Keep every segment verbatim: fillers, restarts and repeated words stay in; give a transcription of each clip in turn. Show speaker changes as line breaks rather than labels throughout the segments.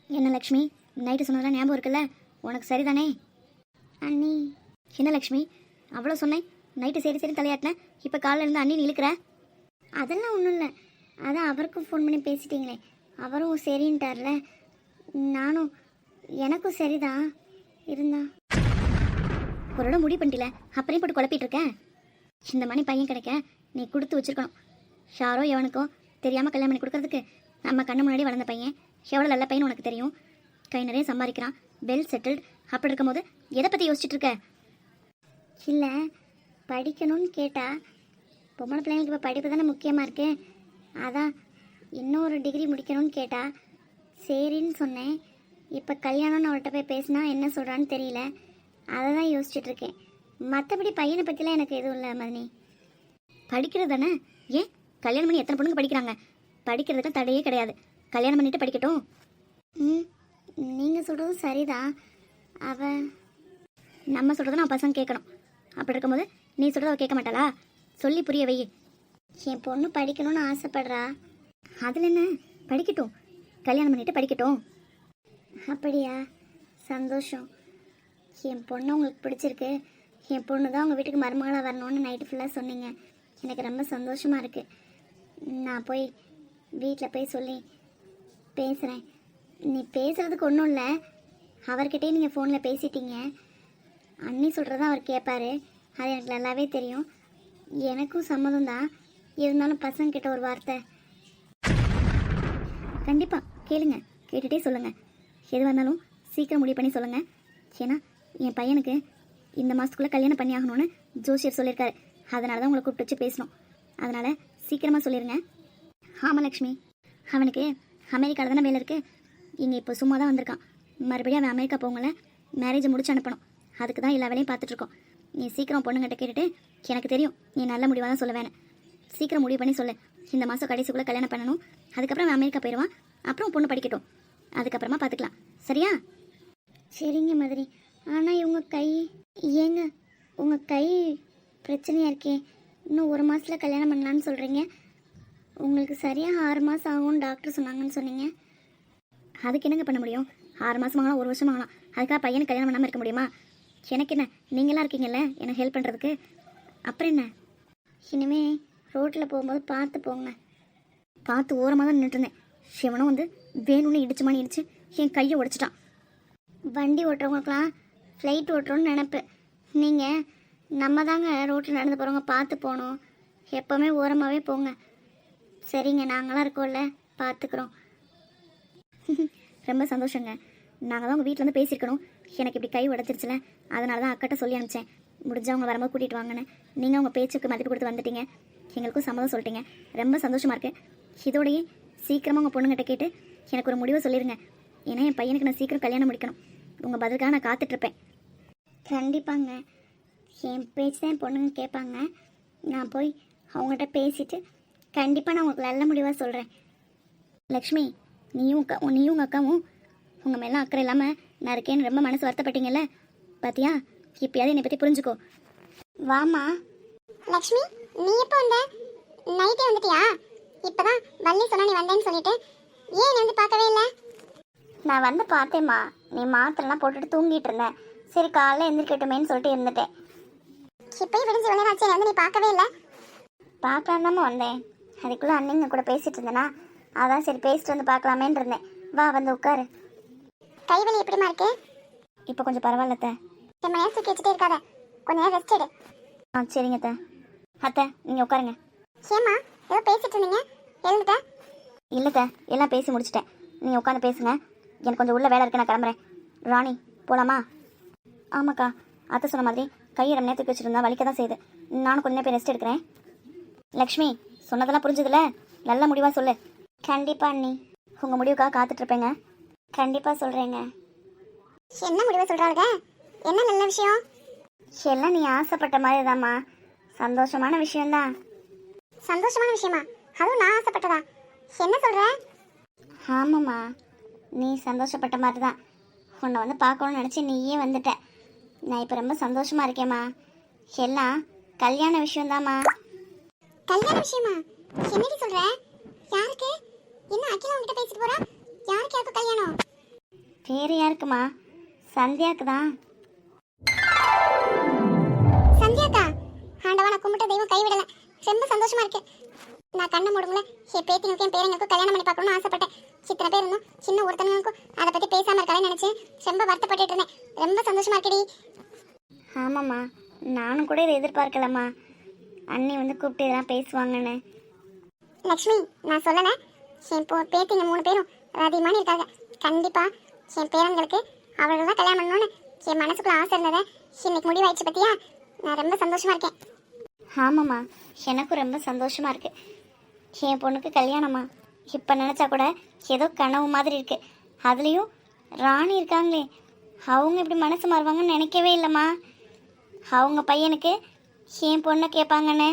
என்ன லக்ஷ்மி, நைட்டு சொன்னதெல்லாம் ஞாபகம் இருக்குல்ல? உனக்கு சரிதானே?
அண்ணி.
என்ன லக்ஷ்மி, அவ்வளோ சொன்னேன், நைட்டு சரி சரி தலையாட்டினேன், இப்போ காலைல இருந்து அண்ணி இழுக்கிற?
அதெல்லாம் ஒன்றும் இல்லை. அதான் அவருக்கும் ஃபோன் பண்ணி பேசிட்டீங்களே, அவரும் சரின்ட்டார்ல. நானும் எனக்கும் சரிதான் இருந்தா.
ஒரு இடம் முடிவு பண்ணிட்டில, அப்புறம் போட்டு குழப்பிட்டு இருக்கேன். இந்த மணி பையன் கிடைக்க நீ கொடுத்து வச்சிருக்கணும். யாரோ எவனுக்கோ தெரியாமல் கல்யாணம் பண்ணி கொடுக்கறதுக்கு நம்ம கண்ணு முன்னாடி வளர்ந்த பையன் எவ்வளோ நல்ல பையன் உனக்கு தெரியும். கை நிறைய சம்பாதிக்கிறான், வெல் செட்டில்டு. அப்படி இருக்கும்போது எதை பற்றி யோசிச்சுட்டு இருக்க?
இல்லை, படிக்கணும்னு கேட்டா பொம்பளை பிள்ளைங்களுக்கு இப்போ படிப்பு தானே முக்கியமாக இருக்கு. அதான் இன்னொரு டிகிரி முடிக்கணும்னு கேட்டா சரின்னு சொன்னேன். இப்போ கல்யாணம்னு அவர்கிட்ட போய் பேசினா என்ன சொல்கிறான்னு தெரியல. அதை தான் யோசிச்சுட்டு இருக்கேன். மற்றபடி பையனை பற்றிலாம் எனக்கு எதுவும் இல்லை மதினி.
படிக்கிறது தானே, ஏன் கல்யாணம் பண்ணி எத்தனை பொண்ணுங்க படிக்கிறாங்க? படிக்கிறதுக்கு தடையே கிடையாது, கல்யாணம் பண்ணிட்டு படிக்கட்டும்.
ம், நீங்கள் சொல்கிறதும் சரிதான். அவன்
நம்ம சொல்கிறத நான் பசங்க கேட்கணும். அப்படி இருக்கும்போது நீ சொல்கிறத அவள் கேட்க மாட்டாளா? சொல்லி புரிய வை.
என் பொண்ணு படிக்கணும்னு ஆசைப்படுறா.
அதில் என்ன, படிக்கட்டும், கல்யாணம் பண்ணிட்டு படிக்கட்டும்.
அப்படியா? சந்தோஷம். என் பொண்ணு உங்களுக்கு பிடிச்சிருக்கு. என் பொண்ணு தான் உங்கள் வீட்டுக்கு மருமகளாக வரணும்னு நைட்டு ஃபுல்லாக சொன்னீங்க. எனக்கு ரொம்ப சந்தோஷமாக இருக்குது. நான் போய் வீட்டில் போய் சொல்லி பேசுகிறேன். நீ பேசுகிறதுக்கு ஒன்றும் இல்லை, அவர்கிட்டே நீங்கள் ஃபோனில் பேசிட்டீங்க. அண்ணி சொல்கிறத அவர் கேட்பார், அது எனக்கு நல்லாவே தெரியும். எனக்கும் சம்மதம் தான், இருந்தாலும் பசங்கக்கிட்ட ஒரு வார்த்தை.
கண்டிப்பாக கேளுங்க, கேட்டுகிட்டே சொல்லுங்கள். எது வந்தாலும் சீக்கிரம் முடிவு பண்ணி சொல்லுங்கள். ஏன்னா என் பையனுக்கு இந்த மாதத்துக்குள்ளே கல்யாணம் பண்ணி ஆகணும்னு ஜோசியர் சொல்லியிருக்காரு. அதனால தான் உங்களை கூப்பிட்டு வச்சு பேசணும். அதனால் சீக்கிரமாக சொல்லிடுங்க. ஆமாம் லக்ஷ்மி, அவனுக்கு அமெரிக்காவில் தானே வேலை இருக்குது. இங்கே இப்போ சும்மா தான் வந்திருக்கான். மறுபடியும் அவன் அமெரிக்கா போங்கல, மேரேஜை முடிச்சு அனுப்பணும். அதுக்கு தான் எல்லா வேலையும் பார்த்துட்ருக்கோம். நீ சீக்கிரம் பொண்ணுங்கிட்ட கேட்டுட்டு, எனக்கு தெரியும் நீ நல்ல முடிவாக தான் சொல்ல வேணும். சீக்கிரம் முடிவு பண்ணி சொல்லு. இந்த மாதம் கடைசிக்குள்ளே கல்யாணம் பண்ணணும். அதுக்கப்புறம் அவன் அமெரிக்கா போயிடுவான். அப்புறம் பொண்ணு படிக்கட்டும், அதுக்கப்புறமா பார்த்துக்கலாம். சரியா?
சரிங்க மாதிரி. ஆனால் இவங்க கை ஏங்க, உங்கள் கை பிரச்சனையாக இருக்கே. இன்னும் ஒரு மாதத்தில் கல்யாணம் பண்ணலான்னு சொல்கிறீங்க. உங்களுக்கு சரியாக ஆறு மாதம் ஆகும்னு டாக்டர் சொன்னாங்கன்னு சொன்னீங்க.
அதுக்கு என்னங்க பண்ண முடியும்? ஆறு மாதம் ஆகலாம், ஒரு வருஷம் ஆகலாம். அதுக்காக பையனுக்கு கல்யாணம் பண்ணாமல் இருக்க முடியுமா? எனக்கு என்ன, நீங்களாம் இருக்கீங்கல்ல எனக்கு ஹெல்ப் பண்ணுறதுக்கு. அப்புறம் என்ன,
இனிமே ரோட்டில் போகும்போது பார்த்து போங்க.
பார்த்து ஓரமாக தான் நின்றுருந்தேன். சிவனும் வந்து வேணும்னு இடிச்சுமானு இடிச்சு என் கையை உடைச்சிட்டான்.
வண்டி ஓட்டுறவங்களுக்கெல்லாம் ஃப்ளைட் ஓட்டுறோன்னு நினப்பு. நீங்கள் நம்ம தாங்க ரோட்டில் நடந்து போகிறவங்க பார்த்து போகணும். எப்போவுமே ஓரமாகவே போங்க. சரிங்க, நாங்களாம் இருக்கோம்ல, பார்த்துக்குறோம்.
ரொம்ப சந்தோஷங்க. நாங்கள் தான் உங்கள் வீட்டில் வந்து பேசியிருக்கணும். எனக்கு இப்படி கை உடச்சிருச்சுல, அதனால தான் அக்கட்ட சொல்லி அனுப்பிச்சேன். முடிஞ்சா அவங்க வரும்போது கூட்டிகிட்டு வாங்கன்னு. நீங்கள் உங்கள் பேச்சுக்கு மதிப்பு கொடுத்து வந்துட்டீங்க. எங்களுக்கும் சம்மதம் சொல்லிட்டீங்க. ரொம்ப சந்தோஷமாக இருக்குது. இதோடையே சீக்கிரமாக உங்கள் பொண்ணுங்கிட்ட கேட்டு எனக்கு ஒரு முடிவை சொல்லிடுங்க. ஏன்னா என் பையனுக்கு நான் சீக்கிரம் கல்யாணம் முடிக்கணும். உங்கள் பதிலுக்காக நான் காத்துட்ருப்பேன்.
கண்டிப்பாங்க, என் பேச்சு தான் என் பொண்ணுங்க கேட்பாங்க. நான் போய் அவங்ககிட்ட பேசிவிட்டு கண்டிப்பாக நான் உங்களுக்கு நல்ல முடிவாக சொல்கிறேன்.
லக்ஷ்மி, நீயும் அக்கா நீயும் உங்கள் அக்காவும் உங்கள் மேலாம் அக்கறை இல்லாமல் நான் இருக்கேன்னு ரொம்ப மனசு வருத்தப்பட்டீங்கல்ல. பார்த்தியா, இப்போயாவது என்னை பற்றி புரிஞ்சுக்கோ.
வாமா லக்ஷ்மி, நீ எப்போ வந்த? நைட்டே வந்துட்டியா? இப்போதான் வள்ளி சொன்னா நீ வந்தேன்னு சொல்லிட்டு ஏன் நீ வந்து பார்க்கவே இல்லை?
நான் வந்து பார்த்தேம்மா, நீ மாத்திரைலாம் போட்டுட்டு தூங்கிட்டு இருந்தேன். சரி காலைல எந்திரிக்கட்டுமேன்னு சொல்லிட்டு இருந்துட்டேன்.
இப்போயும் விடிஞ்சு விளையாட ஆச்சு, வந்து நீ பார்க்கவே இல்லை.
பார்க்கலாம் தாம்மா வந்தேன். அதுக்குள்ளே அன்னைங்க கூட பேசிகிட்டு இருந்தேனா, அதான் சரி பேசிட்டு வந்து பார்க்கலாமேன்னு இருந்தேன். வா வந்து உட்காரு.
கைவலி எப்படிமா இருக்கு?
இப்போ கொஞ்சம் பரவாயில்லத்த.
ரொம்ப நேரம் தூக்கி வச்சுட்டே இருக்காத, கொஞ்ச நேரம் ரெஸ்ட் எடு.
ஆ சரிங்க அத்தை. அத்தை நீங்கள் உட்காருங்க.
ஏம்மா ஏதோ பேசிட்டு இருந்தீங்க, எழுந்துட்ட?
இல்லைத்த, எல்லாம் பேசி முடிச்சிட்டேன். நீங்கள் உட்காந்து பேசுங்க, எனக்கு கொஞ்சம் உள்ள வேலை இருக்கு, நான் கிளம்புறேன். ராணி போகலாமா? ஆமாக்கா, அத்தை சொன்ன மாதிரி கையை ரொம்ப நேரம் தூக்கி வச்சுருந்தா வலிக்க தான் செய்யுது. நானும் கொஞ்ச நேரம் போய் ரெஸ்ட் எடுக்கிறேன். லக்ஷ்மி, சொன்னதெல்லாம் புரிஞ்சுதுல, நல்ல முடிவாக சொல்லு.
கண்டிப்பாக அண்ணி,
உங்கள் முடிவுக்காக காத்துட்ருப்பேங்க.
கண்டிப்பாக சொல்கிறேங்க. என்ன முடிவை சொல்கிறாங்க? என்ன நல்ல விஷயம்?
எல்லாம் நீ ஆசைப்பட்ட மாதிரி தாம்மா, சந்தோஷமான விஷயம்தான்.
சந்தோஷமான விஷயமா? அதுவும் நான் ஆசைப்பட்டதா? என்ன சொல்கிற?
ஆமாம்மா, நீ சந்தோஷப்பட்ட மாதிரி தான். உன்னை வந்து பார்க்கணும்னு நினச்சி நீயே வந்துட்ட. நான் இப்போ ரொம்ப சந்தோஷமாக இருக்கேம்மா. எல்லாம் கல்யாண விஷயம்தாம்மா.
கல்யாண விஷயமா? என்னடி சொல்கிற? யாருக்கு? என்ன அகிலா உங்ககிட்ட பேசிட்டு போகிறா? யாருக்கு யாருக்கு கல்யாணம்?
யாருக்குமா? சந்தியாவுக்கு தான்.
சந்தியாக்கா, ஆண்டவா நான் கும்பிட்ட தெய்வம் கைவிடல. ரொம்ப சந்தோஷமா இருக்கு. நான் கண்ணை மூடுங்கள என் பேத்தினுக்கும் என் பேரனுக்கும் கல்யாணம் பண்ணி பார்க்கணும்னு ஆசைப்பட்டேன். இத்தனை பேர் இருந்தோம், சின்ன ஒருத்தனுக்கும் அதை பற்றி பேசாமல் இருக்காளேன்னு நினச்சேன். ரொம்ப வருத்தப்பட்டுட்டு இருந்தேன். ரொம்ப சந்தோஷமா இருக்குடி.
ஆமாம்மா, நானும் கூட இதை எதிர்பார்க்கலம்மா, அண்ணி வந்து கூப்பிட்டு இதெல்லாம் பேசுவாங்கன்னு.
லக்ஷ்மி, நான் சொல்லலை, என் போ பேத்திங்க மூணு பேரும் அதிகமான இருக்காங்க. கண்டிப்பாக என் பேரன்களுக்கு அவர்கள் தான் கல்யாணம் பண்ணணும்னு என் மனசுக்குள்ள ஆசை இருந்ததை இன்னைக்கு முடிவாயிடுச்சு பற்றியா? நான் ரொம்ப சந்தோஷமா இருக்கேன்.
ஆமாம்மா, எனக்கும் ரொம்ப சந்தோஷமாக இருக்குது. என் பொண்ணுக்கு கல்யாணமா இப்போ நினச்சா கூட ஏதோ கனவு மாதிரி இருக்குது. அதுலேயும் ராணி இருக்காங்களே, அவங்க இப்படி மனசு மாறுவாங்கன்னு நினைக்கவே இல்லைம்மா. அவங்க பையனுக்கு என் பொண்ணை கேட்பாங்கன்னு.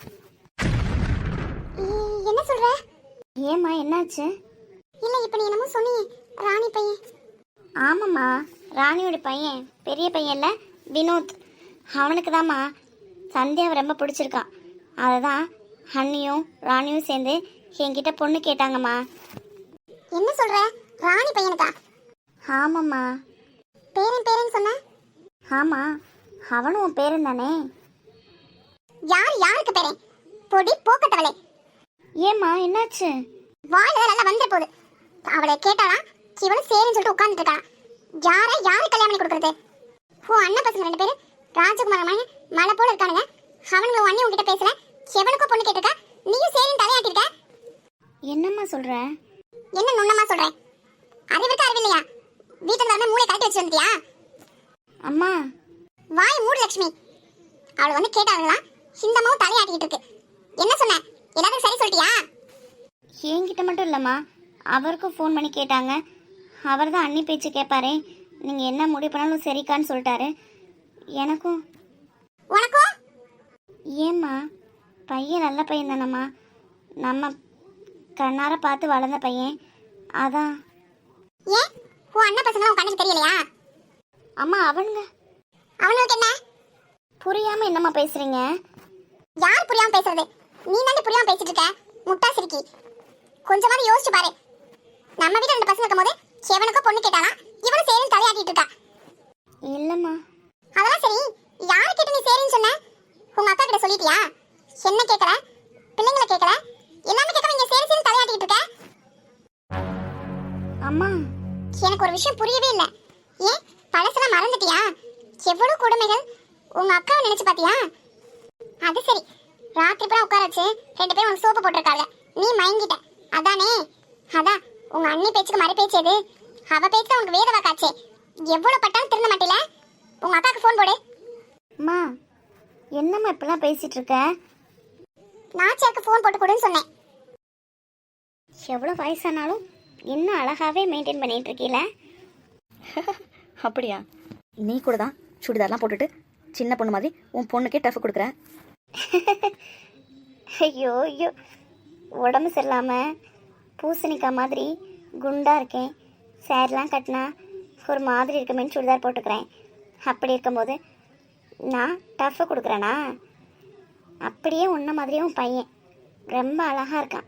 என்ன சொல்ற?
ஏம்மா, என்னாச்சு?
இல்லை, இப்போ நீ என்னமோ சொன்னீங்க, ராணி பையன்.
ஆமாம்மா, ராணியோட பையன், பெரிய பையன் இல்லை, வினோத். அவனுக்கு தாம்மா சந்தியாவை ரொம்ப பிடிச்சிருக்கான். அதை தான் அண்ணியும் ராணியும் சேர்ந்து என்கிட்ட பொண்ணு கேட்டாங்கம்மா.
என்ன சொல்ற? ராணி பையனுக்கா?
ஆமாம்மா.
பேரன் பேரன் சொன்ன?
ஆமாம், அவனும் உன் பேரன் தானே.
யார் யாருக்கு பேரன்? பொடி போக்கட்டவளே.
ஏம்மா, என்னாச்சு?
வாயில நல்லா வந்துட போகுது. அவளை கேட்டாளா? இவளும் சரின்னு சொல்லிட்டு உட்கார்ந்துட்டு இருக்கா. யாரை யாரு கல்யாணம் பண்ணி கொடுக்குறது? ஓ அண்ணன் பசங்க ரெண்டு பேரும் ராஜகுமார மகன் மலை போல இருக்கானுங்க. அவனுங்க அண்ணி உங்ககிட்ட பேசல, எவனுக்கோ பொண்ணு கேட்டிருக்கா, நீயும் சரின்னு தலையாட்டிருக்க.
என்னம்மா சொல்ற?
என்ன நுண்ணமா சொல்ற? அறிவிருக்கா அறிவில்லையா? வீட்டுல வந்து மூளை கழட்டி வச்சு வந்துட்டியா?
அம்மா,
வாய் மூடு லட்சுமி. அவளை வந்து கேட்டாங்களா? சிந்தமாவும் தலையாட்டிக்கிட்டு இருக்கு. என்ன சொன்ன? எல்லாரும் சரி சொல்லிட்டியா?
என்கிட்ட மட்டும் இல்லைம்மா, அவருக்கும் ஃபோன் பண்ணி கேட்டாங்க. அவர் தான் அண்ணி பேச்சு கேட்பாரே, நீங்கள் என்ன முடிவு பண்ணாலும் சரிக்கான்னு சொல்லிட்டாரு. எனக்கும்.
உனக்கும்?
ஏம்மா, பையன் நல்ல பையன் தானம்மா, நம்ம கண்ணார பார்த்து வளர்ந்த பையன், அதான்.
ஏன் உன் அண்ணன் பசங்க உன் கண்ணுக்கு தெரியலையா?
அம்மா, அவனுங்க
அவனுக்கு என்ன
புரியாமல் என்னம்மா பேசுகிறீங்க?
யார் புரியாம பேசுறது? நீ தானே புரியாம பேசிட்டு இருக்க. முட்டா சிரிக்கி, கொஞ்சமாவது யோசிச்சு பாரு. நம்ம வீட்டுல ரெண்டு பசங்க இருக்கும்போது எவனுக்கோ பொண்ணு கேட்டானா, இவனும் சரின்னு தலையாட்டிட்டு இருக்கா.
இல்லைம்மா.
அதெல்லாம் சரி, யார் கிட்ட நீ சரின்னு சொன்ன? உங்க அக்கா கிட்ட சொல்லிட்டியா? என்ன கேட்கற? பிள்ளைங்களை கேட்கற? எல்லாமே கேட்க இங்க சரி சரின்னு தலையாட்டிட்டு இருக்க.
அம்மா,
எனக்கு ஒரு விஷயம் புரியவே இல்லை. ஏன் பழசெல்லாம் மறந்துட்டியா? எவ்வளவு கொடுமைகள் உங்க அக்காவை நினைச்சு பாத்தியா? அது சரி, ராத்திரி பூரா உட்கார வச்சு ரெண்டு பேரும் உனக்கு சோப்பு போட்டிருக்காங்க, நீ மயங்கிட்ட அதானே? அதான் உங்க அண்ணி பேச்சுக்கு மறு பேச்சு எது? அவ பேச்சு உனக்கு வேத வாக்காச்சே. எவ்வளவு பட்டாலும் திருந்த மாட்டேல. உங்க அக்காவுக்கு ஃபோன் போடு.
அம்மா, என்னம்மா இப்பெல்லாம் பேசிட்டு இருக்க?
நாச்சியாருக்கு ஃபோன் போட்டு கொடுன்னு சொன்னேன்.
எவ்வளோ வயசானாலும் இன்னும் அழகாவே மெயின்டைன் பண்ணிட்டு இருக்கீல.
அப்படியா? நீ கூட தான் சுடிதார்லாம் போட்டுட்டு சின்ன பொண்ணு மாதிரி உன் பொண்ணுக்கே டஃப் கொடுக்குற.
ஐயோ ஐயோ, உடம்பு சரியில்லாமல் பூசணிக்காய் மாதிரி குண்டாக இருக்கேன். சேரீலாம் கட்டினா ஒரு மாதிரி இருக்குமேன்னு சுடிதார் போட்டுக்கிறேன். அப்படி இருக்கும்போது நான் டஃப்பு கொடுக்குறேனா? அப்படியே உன்ன மாதிரியே உன் பையன் ரொம்ப அழகாக இருக்கான்.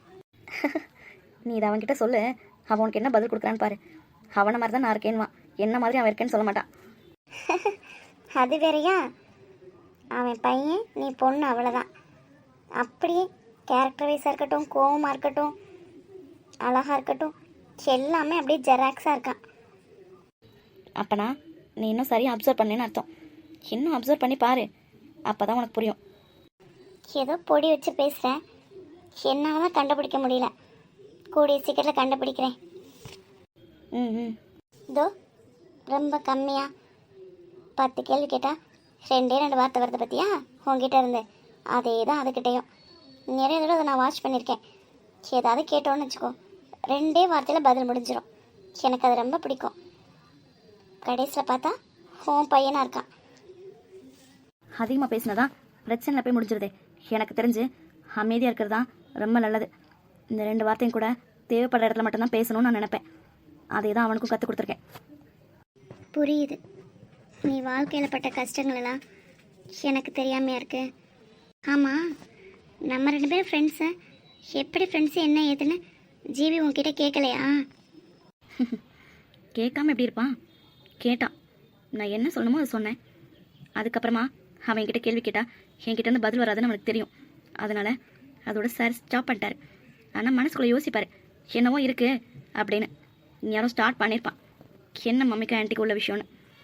நீ இதை அவன்கிட்ட சொல்லு, அவன் உனக்கு என்ன பதில் கொடுக்குறான்னு பாரு. அவனை மாதிரி தான் நான் இருக்கேன்னுவான், என்ன மாதிரி அவன் இருக்கேன்னு சொல்ல மாட்டான்.
அது வேறையா? அவன் பையன், நீ பொண்ணு, அவ்வளோதான். அப்படியே கேரக்டர் வைஸாக இருக்கட்டும், கோவமாக இருக்கட்டும், அழகாக இருக்கட்டும், எல்லாமே அப்படியே ஜெராக்ஸாக இருக்கான்.
அப்பனா நீ இன்னும் சரியாக அப்சர்வ் பண்ணேன்னு அர்த்தம். இன்னும் அப்சர்வ் பண்ணி பாரு, அப்போ தான் உனக்கு புரியும்.
ஏதோ பொடி வச்சு பேசுகிறேன், என்னால் தான் கண்டுபிடிக்க முடியல. கூடிய சீக்கிரத்தில் கண்டுபிடிக்கிறேன்.
ம் ம்
இதோ ரொம்ப கம்மியாக பத்து கேள்வி கேட்டால் ரெண்டே ரெண்டு வார்த்தை வருது பற்றியா உங்ககிட்ட இருந்து? அதே தான் அதுக்கிட்டேயும். நிறைய தடவை அதை நான் வாட்ச் பண்ணியிருக்கேன். ஏதாவது கேட்டோன்னு வச்சுக்கோ, ரெண்டே வார்த்தையில் பதில் முடிஞ்சிடும். எனக்கு அது ரொம்ப பிடிக்கும். கடைசியில் பார்த்தா உன் பையனாக இருக்கான்.
அதிகமாக பேசினதான் பிரச்சனை போய் முடிஞ்சிருதே. எனக்கு தெரிஞ்சு அமைதியாக இருக்கிறது தான் ரொம்ப நல்லது. இந்த ரெண்டு வார்த்தையும் கூட தேவைப்படுற இடத்துல மட்டும்தான் பேசணும்னு நான் நினைப்பேன். அதே தான் அவனுக்கும் கற்றுக் கொடுத்துருக்கேன்.
புரியுது, நீ வாழ்க்கையில் பட்ட கஷ்டங்களெல்லாம் எனக்கு தெரியாமையா இருக்கு. ஆமாம், நம்ம ரெண்டு பேரும் ஃப்ரெண்ட்ஸு. எப்படி ஃப்ரெண்ட்ஸு என்ன ஏதுன்னு ஜீவி உன்கிட்ட கேட்கலையா?
கேட்காம எப்படி இருப்பான்? கேட்டான். நான் என்ன சொல்லணுமோ அதை சொன்னேன். அதுக்கப்புறமா அவன் என்கிட்ட கேள்வி கேட்டா என்கிட்ட இருந்து பதில் வராதுன்னு அவனுக்கு தெரியும். அதனால் அதோட சார் ஸ்டாப் பண்ணிட்டாரு. ஆனால் மனசுக்குள்ளே யோசிப்பார், என்னவோ இருக்குது அப்படின்னு. யாரும் ஸ்டார்ட் பண்ணியிருப்பான், என்ன மம்மிக்கு ஆன்ட்டிக்கு உள்ள விஷயம்னு.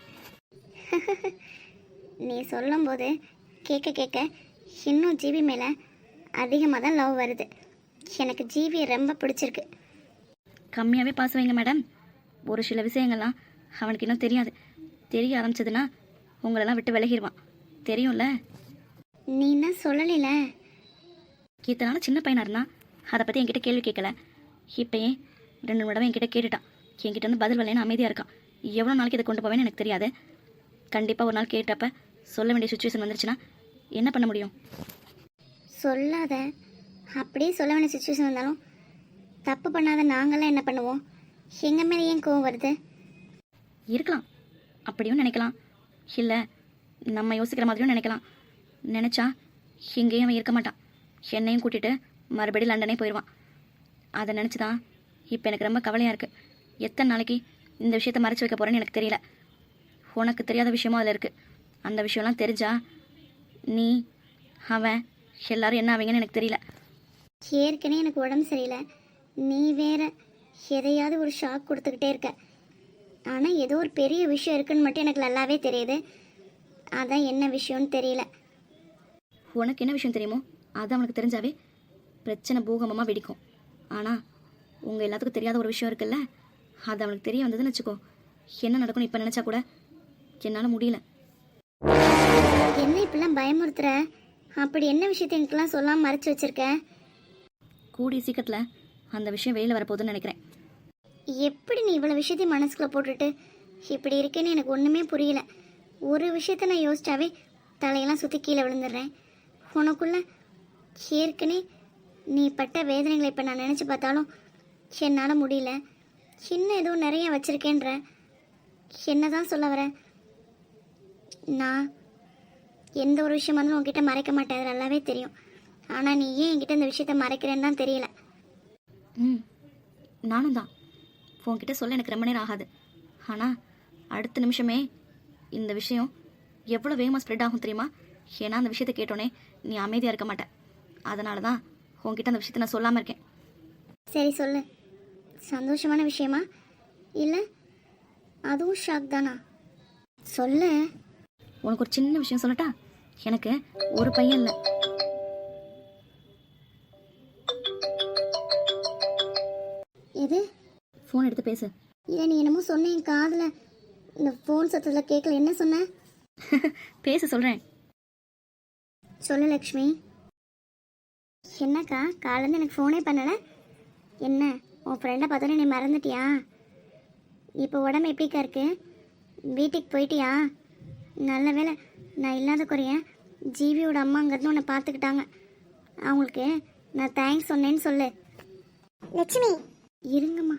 நீ சொல்லும்போது கேட்க கேட்க இன்னும் ஜிவி மேலே அதிகமாக தான் லவ் வருது. எனக்கு ஜிவியை ரொம்ப பிடிச்சிருக்கு.
கம்மியாகவே பாஸ் வைங்க மேடம். ஒரு சில விஷயங்கள்லாம் அவனுக்கு இன்னும் தெரியாது. தெரிய ஆரம்பிச்சதுன்னா உங்களெல்லாம் விட்டு விலகிடுவான். தெரியும்ல?
நீ என்ன சொல்லல?
இத்தனால சின்ன பையனாக இருந்தான், அதை பற்றி என்கிட்ட கேள்வி கேட்கல. இப்போயே ரெண்டு மூணு தடவை என்கிட்ட கேட்டுட்டான். என்கிட்ட வந்து பதில் வரலைன்னு அமைதியாக இருக்கான். எவ்வளோ நாளைக்கு இதை கொண்டு போவேன்னு எனக்கு தெரியாது. கண்டிப்பாக ஒரு நாள் கேட்டப்ப சொல்ல வேண்டிய சுச்சுவேஷன் வந்துருச்சுன்னா என்ன பண்ண முடியும்?
சொல்லாத. அப்படியே சொல்ல வேண்டிய சுச்சுவேஷன் வந்தாலும் தப்பு பண்ணாத நாங்களாம் என்ன பண்ணுவோம்? எங்கள் மேலே ஏன் கோவம் வருது?
இருக்கலாம், அப்படியும் நினைக்கலாம். இல்லை நம்ம யோசிக்கிற மாதிரியும் நினைக்கலாம். நினச்சா எங்கேயும் அவன் இருக்க மாட்டான். என்னையும் கூட்டிகிட்டு மறுபடியும் லண்டனே போயிடுவான். அதை நினச்சி தான் இப்போ எனக்கு ரொம்ப கவலையாக இருக்குது. எத்தனை நாளைக்கு இந்த விஷயத்தை மறைச்சி வைக்க போகிறேன்னு எனக்கு தெரியல. உனக்கு தெரியாத விஷயமும் அதில் இருக்குது. அந்த விஷயம்லாம் தெரிஞ்சா நீ அவன் எல்லாரும் என்ன ஆவீங்கன்னு எனக்கு தெரியல.
ஏற்கனவே எனக்கு உடம்பு சரியில்லை, நீ வேற எதையாவது ஒரு ஷாக் கொடுத்துக்கிட்டே இருக்க. ஆனால் ஏதோ ஒரு பெரிய விஷயம் இருக்குன்னு மட்டும் எனக்கு நல்லாவே தெரியுது. அதான் என்ன விஷயம்னு தெரியல.
உனக்கு என்ன விஷயம் தெரியுமோ அது அவனுக்கு தெரிஞ்சாவே பிரச்சனை பூகம்பமாக வெடிக்கும். ஆனால் உங்கள் எல்லாத்துக்கும் தெரியாத ஒரு விஷயம் இருக்குல்ல, அது அவனுக்கு தெரிய வந்ததுன்னு வச்சுக்கோ, என்ன நடக்கும்னு இப்போ நினச்சா கூட என்னால் முடியல.
என்ன இப்பெல்லாம் பயமுறுத்துற? அப்படி என்ன விஷயத்தை எனக்குலாம் சொல்லாமல் மறைச்சு வச்சிருக்க?
கூடிய சீக்கிரத்தில் அந்த விஷயம் வெளியில் வரப்போகுதுன்னு நினைக்கிறேன்.
எப்படி நீ இவ்வளோ விஷயத்தையும் மனசுக்குள்ளே போட்டுட்டு இப்படி இருக்கேன்னு எனக்கு ஒன்றுமே புரியல. ஒரு விஷயத்த நான் யோசிச்சாவே தலையெல்லாம் சுற்றி கீழே விழுந்துடுறேன். உனக்குள்ள ஏற்கனவே நீ பட்ட வேதனைகளை இப்போ நான் நினச்சி பார்த்தாலும் என்னால் முடியல. இன்னும் ஏதோ நிறைய வச்சுருக்கேன்ற. என்ன தான் சொல்ல வர? நான் எந்த ஒரு விஷயமா இருந்தாலும் உங்ககிட்ட மறைக்க மாட்டேன், அது நல்லாவே தெரியும். ஆனால் நீ ஏன் என்கிட்ட இந்த விஷயத்த மறைக்கிறேன்னு தான் தெரியல.
ம் நானும் தான். உன்கிட்ட சொல்ல எனக்கு ரொம்ப நேரம் ஆகாது. ஆனால் அடுத்த நிமிஷமே இந்த விஷயம் எவ்வளோ வேகமாக ஸ்ப்ரெட் ஆகும் தெரியுமா? ஏன்னா அந்த விஷயத்தை கேட்டோன்னே நீ அமைதியாக இருக்க மாட்டேன். அதனால தான் உன்கிட்ட அந்த விஷயத்தை நான் சொல்லாமல் இருக்கேன்.
சரி சொல்லு. சந்தோஷமான விஷயமா இல்லை அதுவும் ஷாக் தானா? சொல்லு.
உனக்கு ஒரு சின்ன விஷயம் சொல்லட்டா? எனக்கு ஒரு பையன் இல்லை.
எது?
ஃபோன் எடுத்து பேசு.
இல்லை நீ என்னமோ சொன்னேன் காதில், இந்த ஃபோன் சத்தத்தில் கேட்கல. என்ன சொன்ன?
பேச சொல்கிறேன்.
சொல்லு லக்ஷ்மி. என்னக்கா காலேருந்து எனக்கு ஃபோனே பண்ணலை? என்ன உன் ஃப்ரெண்டை பார்த்தோன்னே நீ மறந்துட்டியா? இப்போ உடம்பு எப்படிக்கா இருக்கு? வீட்டுக்கு போயிட்டியா? நல்ல வேளை நான் இல்லாத குறைய ஜீவியோட அம்மா அங்கேருந்து உன்னை பார்த்துக்கிட்டாங்க. அவங்களுக்கு நான் தேங்க்ஸ் சொன்னேன்னு சொல்லு. லட்சுமி இருங்கம்மா.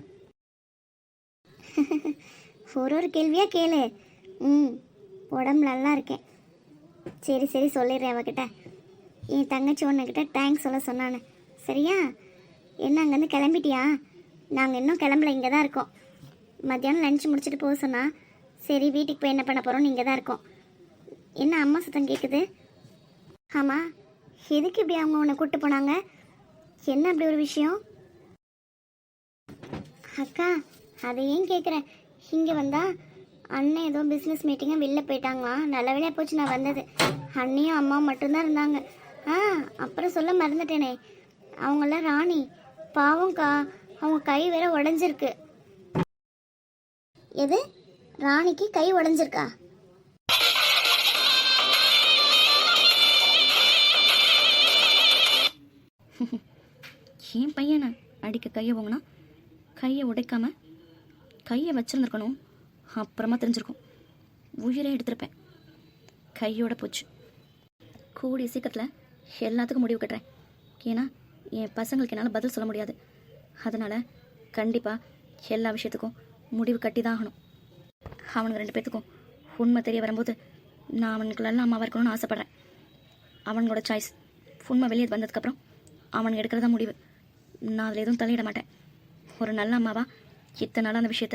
ஒரு ஒரு கேள்வியாக கேளு. ம் உடம்பு நல்லா இருக்கேன். சரி சரி சொல்லிடுறேன் அவகிட்ட. என் தங்கச்சி ஒன்றுக்கிட்ட தேங்க்ஸ் சொல்ல சொன்னானு. சரியா? என்ன அங்கேருந்து கிளம்பிட்டியா? நாங்கள் இன்னும் கிளம்பல, இங்கே தான் இருக்கோம். மத்தியானம் லஞ்ச் முடிச்சுட்டு போக சொன்னா. சரி வீட்டுக்கு போய் என்ன பண்ண போகிறோம்னு இங்கே தான் இருக்கோம். என்ன அம்மா சத்தம் கேட்குது? ஆமாம், எதுக்கு இப்படி அவங்க உன்னை கூப்பிட்டு போனாங்க? என்ன அப்படி ஒரு விஷயம்? அக்கா அதை ஏன் கேட்குறேன். இங்கே வந்தா அண்ணன் ஏதோ பிஸ்னஸ் மீட்டிங்காக வெளில போயிட்டாங்களாம். நல்ல வேலையாக போச்சு நான் வந்தது. அண்ணியும் அம்மாவும் மட்டும்தான் இருந்தாங்க. ஆ அப்புறம் சொல்ல மறந்துட்டேனே, அவங்களாம் ராணி பாவம்க்கா, அவங்க கை வேற உடஞ்சிருக்கு. எது? ராணிக்கு கை உடஞ்சிருக்கா?
என் பையனை அடிக்க கையை போங்கண்ணா, கையை உடைக்காம கையை வச்சுருந்துருக்கணும். அப்புறமா தெரிஞ்சிருக்கும், உயிரே எடுத்திருப்பேன். கையோட போச்சு. கூடிய சீக்கிரத்தில் எல்லாத்துக்கும் முடிவு கட்டுறேன். ஏன்னா என் பசங்களுக்கு என்னால் பதில் சொல்ல முடியாது. அதனால் கண்டிப்பாக எல்லா விஷயத்துக்கும் முடிவு கட்டி தான் ஆகணும். அவனுக்கு ரெண்டு பேர்த்துக்கும் உண்மை தெரிய வரும்போது நான் அவனுக்கு நல்ல அம்மாவாக இருக்கணும்னு ஆசைப்பட்றேன். அவனோட சாய்ஸ். உண்மை வெளியே வந்ததுக்கப்புறம் அவனுக்கு எடுக்கிறதா முடிவு. நான் அதில் எதுவும் தலையிட மாட்டேன். ஒரு நல்ல அம்மாவா இத்தனை நாள் அந்த விஷயத்த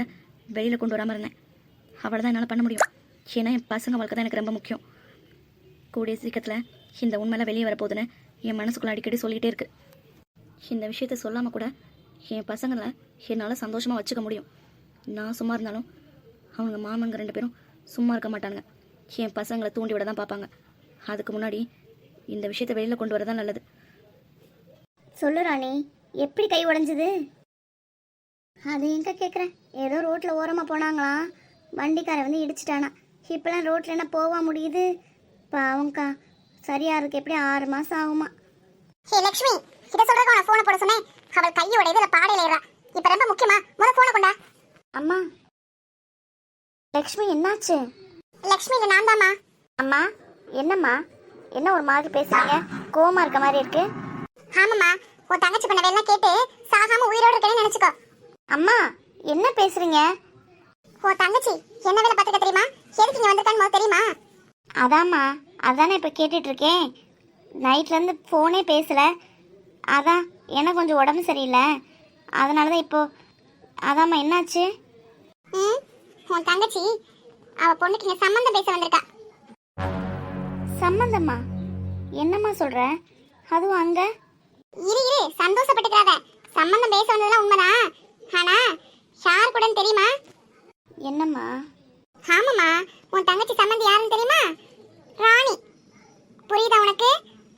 வெளியில் கொண்டு வராமல் இருந்தேன். அவளை தான் என்னால் பண்ண முடியும். ஏன்னா என் பசங்க வாழ்க்கை தான் எனக்கு ரொம்ப முக்கியம். கூடிய சீக்கிரத்தில் இந்த உண்மையெல்லாம் வெளியே வரப்போகுதுன்னு என் மனசுக்குள்ள அடிக்கடி சொல்லிகிட்டே இருக்கு. இந்த விஷயத்த சொல்லாமல் கூட என் பசங்களை என்னால் சந்தோஷமாக வச்சுக்க முடியும். நான் சும்மா இருந்தாலும் அவங்க மாமனுங்க ரெண்டு பேரும் சும்மா இருக்க மாட்டாங்க. என் பசங்களை தூண்டி விட தான் பார்ப்பாங்க. அதுக்கு முன்னாடி இந்த விஷயத்தை வெளியில் கொண்டு வரதான் நல்லது.
சொல்லு ராணி, எப்படி கை உடைஞ்சது? அது எங்க கேட்குறேன். ஏதோ ரோட்டில் ஓரமாக போனாங்களாம், வண்டிக்காரை வந்து இடிச்சிட்டானா. இப்போலாம் ரோட்டில் என்ன போக முடியுது? பாவங்க்கா, சரியா இருக்கு எப்படி ஆறு மாதம் ஆகுமா?
ஹே லக்ஷ்மி, கிட்ட சொல்றதுக்கு உன ஃபோனை போட சொன்னேன். அவள் கையோட இதுல பாடையில ஏறா. இப்ப ரொம்ப முக்கியமா முத ஃபோனை கொண்டா.
அம்மா, லக்ஷ்மி என்னாச்சு?
லக்ஷ்மி இல்ல நான் தாம்மா.
அம்மா, என்னம்மா? என்ன ஒரு மாதிரி பேசுறீங்க? கோவமா இருக்க மாதிரி இருக்கு.
ஆமாம்மா, உன் தங்கச்சி பண்ண வேலை கேட்டு சாகாம உயிரோட இருக்கேன்னு நினைச்சுக்கோ.
அம்மா, என்ன பேசுறீங்க?
உன் தங்கச்சி என்ன வேலை பார்த்துக்க தெரியுமா? எதுக்கு இங்க வந்திருக்கான்னு முதல்ல தெரியுமா?
அதாம்மா, அதானே இப்போ கேட்டுட்டு இருக்கேன். நைட்லேருந்து ஃபோனே பேசல. அதான் எனக்கு கொஞ்சம் உடம்பு சரியில்லை, அதனால தான் இப்போ. அதாம்மா, என்னாச்சு?
ம், உன் தங்கச்சி அவ பொண்ணுக்கு இங்க சம்மந்தம் பேச வந்திருக்கா.
சம்மந்தம்மா? என்னம்மா சொல்ற? அதுவும் அங்க?
இரு இரு, சந்தோஷப்பட்டுக்கிறாத. சம்மந்தம் பேச வந்ததெல்லாம் உண்மைதான். ஆனா யார் கூடன்னு தெரியுமா?
என்னம்மா?
ஆமாம்மா, உன் தங்கச்சி சம்மந்தி யாருன்னு தெரியுமா? ராணி. புரியுதா உனக்கு?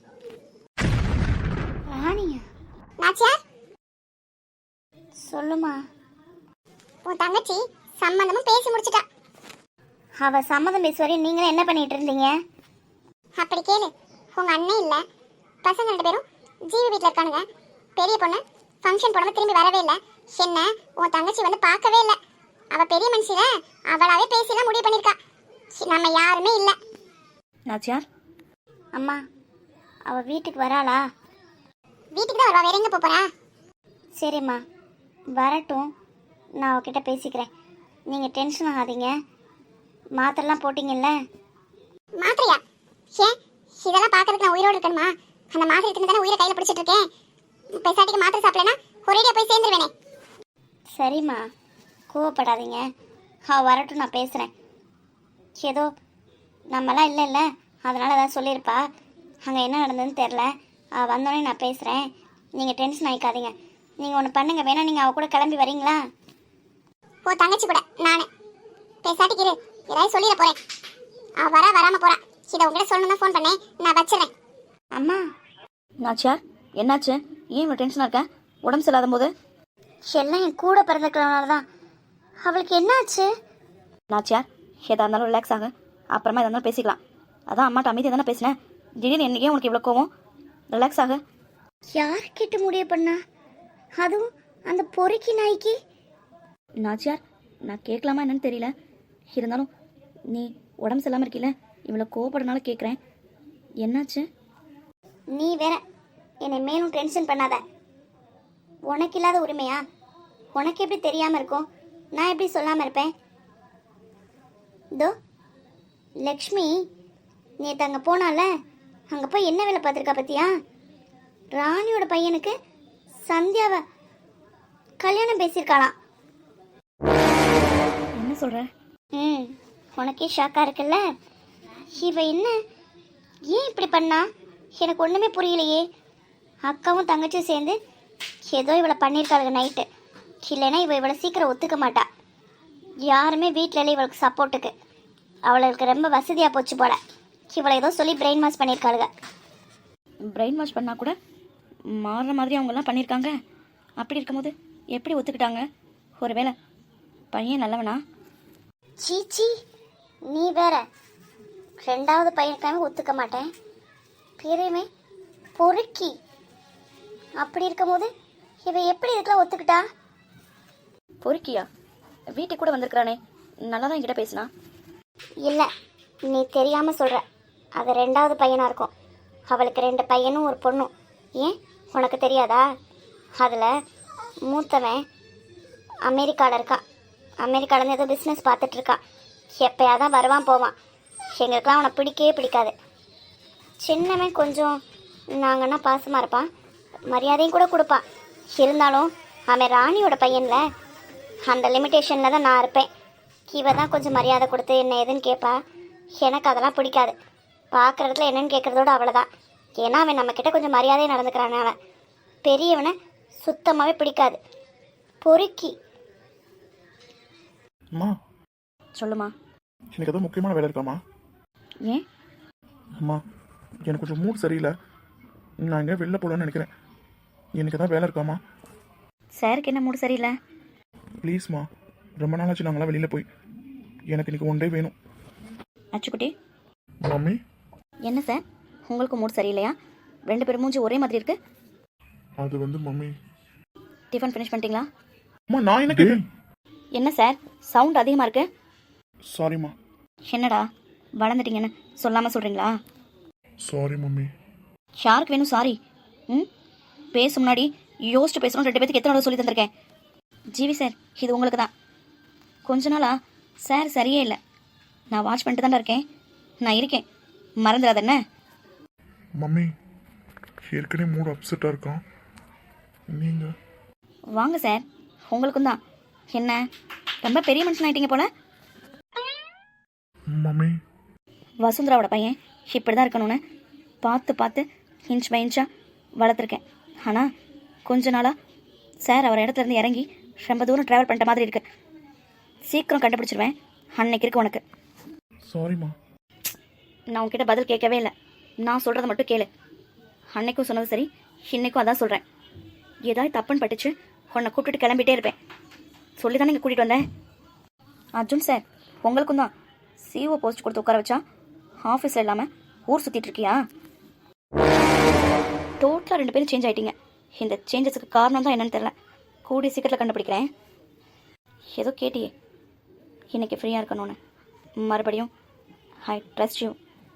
ராணியா?
நாச்சியார்,
சொல்லுமா.
உன் தங்கச்சி சம்மந்தமும் பேசி முடிச்சிட்டா.
அவ சம்மதம் பேசுவரை நீங்களும் என்ன பண்ணிட்டு இருந்தீங்க?
அப்படி கேளு. உங்க அண்ணன் இல்ல, பசங்க ரெண்டு பேரும் ஜீவி வீட்டில் இருக்கானுங்க. பெரிய பொண்ணு ஃபங்க்ஷன் போடாம திரும்பி வரவே இல்லை. என்ன உன் தங்கச்சி வந்து பார்க்கவே இல்லை. அவ பெரிய மனுஷில அவளாவே பேசிலாம் முடிவு பண்ணிருக்கா. நம்ம யாருமே இல்லை.
நாச்சியார்,
அம்மா, அவ வீட்டுக்கு வராளா?
வீட்டுக்கு தான் வருவா, வேற எங்க போறா?
சரிம்மா, வரட்டும். நான் அவகிட்ட பேசிக்கிறேன். நீங்கள் டென்ஷன் ஆகாதீங்க. மாத்திரைலாம் போட்டிங்கல்ல?
மாத்திரையா? ஏன் இதெல்லாம் பார்க்கறதுக்கு நான் உயிரோடு இருக்கணுமா? அந்த மாத்திரை எடுத்து தானே உயிரை கையில் பிடிச்சிட்டு இருக்கேன். பெசாட்டிக்கு மாத்திரை சாப்பிடலன்னா ஒரேடியா போய் சேர்ந்துருவேனே.
சரிம்மா, கோவப்படாதீங்க. அவள் வரட்டும், நான் பேசுகிறேன். ஏதோ நம்மலாம் இல்லை இல்லை அதனால் ஏதாவது சொல்லியிருப்பா. அங்கே என்ன நடந்ததுன்னு தெரில. அவள் வந்தோடனே நான் பேசுகிறேன். நீங்கள் டென்ஷன் ஆகிக்காதீங்க. நீங்கள் ஒன்று பண்ணுங்க, வேணா நீங்கள் அவள் கூட கிளம்பி வரீங்களா?
ஓ தங்கச்சி கூட நானு பேசாட்டிக்கு இரு, ஏதாவது சொல்லிட போறேன். அவ வர வராம போறா. இதை உங்ககிட்ட சொல்லணும் தான் ஃபோன் பண்ணேன். நான் வச்சிடறேன்.
அம்மா.
நாச்சியார், என்னாச்சு? ஏன் இவ்வளோ டென்ஷனாக இருக்க? உடம்பு சரியில்லாத போது?
எல்லாம் என் கூட பிறந்துக்கிறனால தான். அவளுக்கு என்னாச்சு?
நாச்சியார், எதாக இருந்தாலும் ரிலாக்ஸ் ஆக, அப்புறமா எதாக இருந்தாலும் பேசிக்கலாம். அதான் அம்மாட்ட அமைதியாக தானே பேசினேன். திடீர்னு என்னைக்கே உனக்கு இவ்வளோ கோவம்? ரிலாக்ஸ் ஆக.
யார்கிட்ட முடிவு பண்ணா? அதுவும் அந்த பொறுக்கி நாய்க்கு?
நாச்சியார், நான் கேட்கலாமா என்னன்னு தெரியல. இருந்தாலும் நீ உடம்பு சரியில்லாமல் இருக்கீல, இவ்வளோ கோவப்படுறனால கேட்குறேன். என்னாச்சு?
நீ வேற என்னை மேலும் டென்ஷன் பண்ணாத. உனக்கு இல்லாத உரிமையா? உனக்கு எப்படி தெரியாமல் இருக்கும்? நான் எப்படி சொல்லாமல் இருப்பேன்? தோ லக்ஷ்மி நேற்று அங்கே போனால, அங்கே போய் என்ன வேலை பார்த்துருக்கா பத்தியா? ராணியோட பையனுக்கு சந்தியாவை கல்யாணம் பேசியிருக்காளாம்.
என்ன சொல்கிற?
ம், உனக்கே ஷாக்காக இருக்குல்ல? இவ என்ன ஏன் இப்படி பண்ணா? எனக்கு ஒன்றுமே புரியலையே. அக்காவும் தங்கச்சியும் சேர்ந்து ஏதோ இவளை பண்ணியிருக்காளுங்க நைட்டு. இல்லைன்னா இவள் இவளை சீக்கிரம் ஒத்துக்க மாட்டா. யாருமே வீட்டில் இல்லை இவளுக்கு சப்போர்ட்டுக்கு. அவளுக்கு ரொம்ப வசதியாக போச்சு போல. இவளை ஏதோ சொல்லி பிரெயின் வாஷ் பண்ணியிருக்காளுங்க.
பிரெயின் வாஷ் பண்ணால் கூட மாறுற மாதிரி அவங்கெல்லாம் பண்ணியிருக்காங்க. அப்படி இருக்கும்போது எப்படி ஒத்துக்கிட்டாங்க? ஒரு வேளை பையன் நல்லவனா?
சீச்சி, நீ வேற. ரெண்டாவது பையனுக்காக ஒத்துக்க மாட்டேன். பெரியமே பொறுக்கி. அப்படி இருக்கும்போது இவ எப்படி இதுக்கெல்லாம் ஒத்துக்கிட்டா?
பொறுக்கியா? வீட்டுக்கு கூட வந்திருக்கிறானே, நல்லா தான் என்கிட்ட பேசினா.
இல்லை, நீ தெரியாமல் சொல்கிற. அது ரெண்டாவது பையனாக இருக்கும். அவளுக்கு ரெண்டு பையனும் ஒரு பொண்ணும். ஏன் உனக்கு தெரியாதா? அதில் மூத்தவன் அமெரிக்காவில் இருக்கான். அமெரிக்காவிலேருந்து ஏதோ பிஸ்னஸ் பார்த்துட்ருக்கான். எப்போயா தான் வருவான் போவான். எங்களுக்கெல்லாம் அவனை பிடிக்கவே பிடிக்காது. சின்னவன் கொஞ்சம் நாங்கன்னா பாசமாக இருப்பான், மரியாதையும் கூட கொடுப்பான். இருந்தாலும் அவன் ராணியோட பையனில். அந்த லிமிட்டேஷனில் தான் நான் இருப்பேன். இவ தான் கொஞ்சம் மரியாதை கொடுத்து என்ன ஏதுன்னு கேட்பா. எனக்கு அதெல்லாம் பிடிக்காது. பார்க்குறதுல என்னன்னு கேட்குறதோட அவ்வளோதான். ஏன்னா அவன் நம்மக்கிட்ட கொஞ்சம் மரியாதையாக நடந்துக்கிறான். அவன் பெரியவனை சுத்தமாகவே பிடிக்காது. பொறுக்கி.
அம்மா
சொல்லுமா.
எனக்கு ஏதோ முக்கியமான வேலை இருக்காம்மா.
ஏன்?
அம்மா எனக்கு கொஞ்சம் மூட் சரியில்லை. நான் எங்கே வெளில போகலான்னு நினைக்கிறேன். எனக்கு ஏதாவது வேலை இருக்காம்மா?
சாருக்கு என்ன மூடு சரியில்லை?
ப்ளீஸ்மா, ரொம்ப நாளாச்சு நாங்களாம் வெளியில் போய். எனக்கு இன்னைக்கு ஒன் டே வேணும்.
அச்சுக்குட்டி.
மம்மி
என்ன சார், உங்களுக்கு மூடு சரியில்லையா? ரெண்டு பேரும் மூஞ்சி ஒரே மாதிரி இருக்கு.
அது வந்து மம்மி.
டிஃபன் ஃபினிஷ் பண்ணிட்டீங்களா?
அம்மா நான் என்ன கேட்டேன்?
என்ன சார் சவுண்ட் அதிகமாக இருக்கு?
சாரிம்மா.
என்னடா வளர்ந்துட்டீங்கன்னு சொல்லாமல் சொல்கிறீங்களா?
Sorry mummy.
யாருக்கு வேணும் சாரி? ம் பேச முன்னாடி யோசிச்சு பேசணும். ரெண்டு பேத்துக்கு எத்தனை சொல்லி தந்திருக்கேன். ஜிவி சார் இது உங்களுக்கு தான். கொஞ்ச நாளா சார் சரியே இல்லை. நான் வாட்ச் பண்ணிட்டு தானே இருக்கேன். நான் இருக்கேன், மறந்துடாத என்ன?
மம்மி ஏற்கனவே மூடு அப்செட்டாக இருக்கான். நீங்கள்
வாங்க சார், உங்களுக்கும் தான். என்ன ரொம்ப பெரிய மனுஷன் ஆயிட்டீங்க போல.
மம்மி
வசுந்தராவோட பையன் இப்படி தான் இருக்கணும்னு பார்த்து பார்த்து இன்ச் பை இன்ச்சாக வளர்த்துருக்கேன். ஆனால் கொஞ்ச நாளாக சார் அவர் இடத்துல இருந்து இறங்கி ரொம்ப தூரம் ட்ராவல் பண்ணிட்ட மாதிரி இருக்கு. சீக்கிரம் கண்டுபிடிச்சிருவேன். அன்னைக்கு இருக்கு உனக்கு.
சாரிம்மா.
நான் உன்கிட்ட பதில் கேட்கவே இல்லை. நான் சொல்கிறத மட்டும் கேளு. அன்னைக்கும் சொன்னது சரி, இன்னைக்கும் அதான் சொல்கிறேன். ஏதாவது தப்புன்னு பட்டுச்சு உன்னை கூப்பிட்டுட்டு கிளம்பிட்டே இருப்பேன். சொல்லி தானே இங்கே கூட்டிகிட்டு வந்தேன். அர்ஜுன் சார் உங்களுக்கும் தான். சிஓ போஸ்ட் கொடுத்து உட்கார வச்சா ஆஃபீஸில் இல்லாமல் ஊர் சுற்றிட்டு இருக்கியா? டோட்டலாக ரெண்டு பேரும் சேஞ்ச் ஆகிட்டீங்க. இந்த சேஞ்சஸுக்கு காரணம் தான் என்னன்னு தெரில. கூடிய சீக்கிரத்தில் கண்டுபிடிக்கிறேன். ஏதோ கேட்டியே இன்னைக்கு ஃப்ரீயாக இருக்கணும்னு. மறுபடியும் ஐ ட்ரஸ்ட் யூ.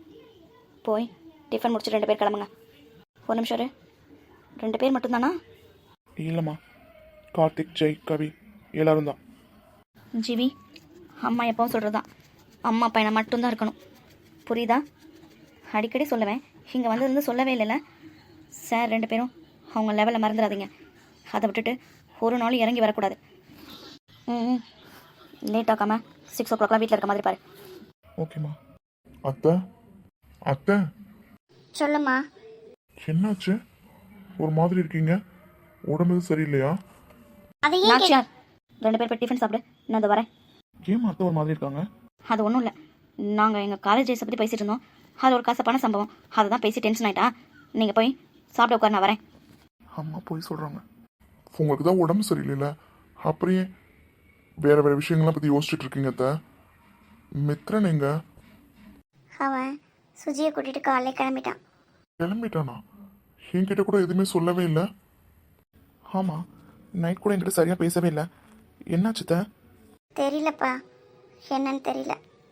போய் டிஃபன் முடிச்சுட்டு ரெண்டு பேர் கிளம்புங்க. ஒரு நிமிஷம் இரு. ரெண்டு பேர் மட்டும்தானா?
இல்லைம்மா, கார்த்திக், ஜெய், கவி எல்லாரும் தான்.
ஜிவி அம்மா எப்பவும் சொல்கிறது தான். அம்மா பையனை மட்டும்தான் இருக்கணும். புரியுதா? அடிக்கடி சொல்லுவேன். இங்கே வந்ததுலேருந்து சொல்லவே இல்லைல்ல. சார் ரெண்டு பேரும் அவங்க லெவலில் மறந்துடாதீங்க. அதை விட்டுட்டு ஒரு நாளும் இறங்கி வரக்கூடாது. ம் லேட் ஆக்காமல் சிக்ஸ் ஓ கிளாக்லாம் வீட்டில் இருக்க மாதிரி பாரு.
ஓகேம்மா. அத்தை அத்தை
சொல்லுமா.
என்னாச்சு? ஒரு மாதிரி இருக்கீங்க. உடம்பு எதுவும் சரியில்லையா?
அது ஏன் கே-
நாச்சியார் ரெண்டு பேர் போய் டிஃபன் சாப்பிடு. நான் அதை வரேன்.
ஏன் அத்தை ஒரு மாதிரி இருக்காங்க?
அது ஒன்றும் இல்லை. நாங்கள் எங்கள் காலேஜ் டேஸை பற்றி பேசிகிட்டு இருந்தோம். அது ஒரு கசப்பான சம்பவம். அதை தான் பேசி டென்ஷன் ஆகிட்டா. நீங்கள் போய் சாப்பிட உட்கார், நான் வரேன்.
அம்மா போய் சொல்கிறாங்க. உங்களுக்கு தான் உடம்பு சரியில்லைல்ல, அப்படியே வேற வேற விஷயங்கள்லாம் பற்றி யோசிச்சுட்டு இருக்கீங்க அத்தை. மித்ரன் எங்க?
அவன் சுஜியை கூட்டிட்டு காலையில கிளம்பிட்டான்.
கிளம்பிட்டானா? என்கிட்ட கூட எதுவுமே சொல்லவே இல்லை. ஆமாம், நைட் கூட என்கிட்ட சரியாக பேசவே இல்லை. என்னாச்சு அத்தை?
தெரியலப்பா, என்னன்னு தெரியல.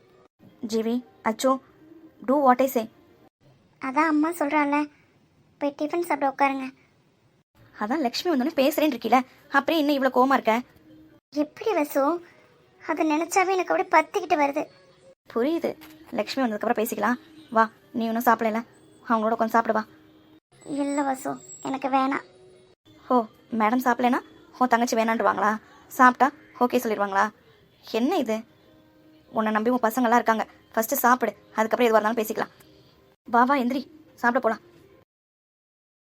ஜிவி அச்சோ டூ வாட் ஐ சே.
அதான் அம்மா சொல்கிறாள்ல, போய் டிஃபன் சாப்பிட உட்காருங்க.
அதான் லக்ஷ்மி வந்தோடனே பேசுகிறேன்னு இருக்கீல, அப்படியே இன்னும் இவ்வளோ கோவமா இருக்க?
எப்படி வசு, அதை நினச்சாவே எனக்கு அப்படியே பத்திக்கிட்டு வருது.
புரியுது. லக்ஷ்மி வந்ததுக்கப்புறம் பேசிக்கலாம். வா, நீ இன்னும் சாப்பிடல, அவங்களோட கொஞ்சம் சாப்பிடு வா.
இல்லை வசு, எனக்கு வேணாம்.
ஓ மேடம் சாப்பிடலனா உன் தங்கச்சி வேணான்டுவாங்களா? சாப்பிட்டா ஓகே சொல்லிடுவாங்களா? என்ன இது? உன்னை நம்பி உன் பசங்கள்லாம் இருக்காங்க. ஃபஸ்ட்டு சாப்பிடு, அதுக்கப்புறம் எதுவாக இருந்தாலும் பேசிக்கலாம். வா வா எந்திரி, சாப்பிட போகலாம்.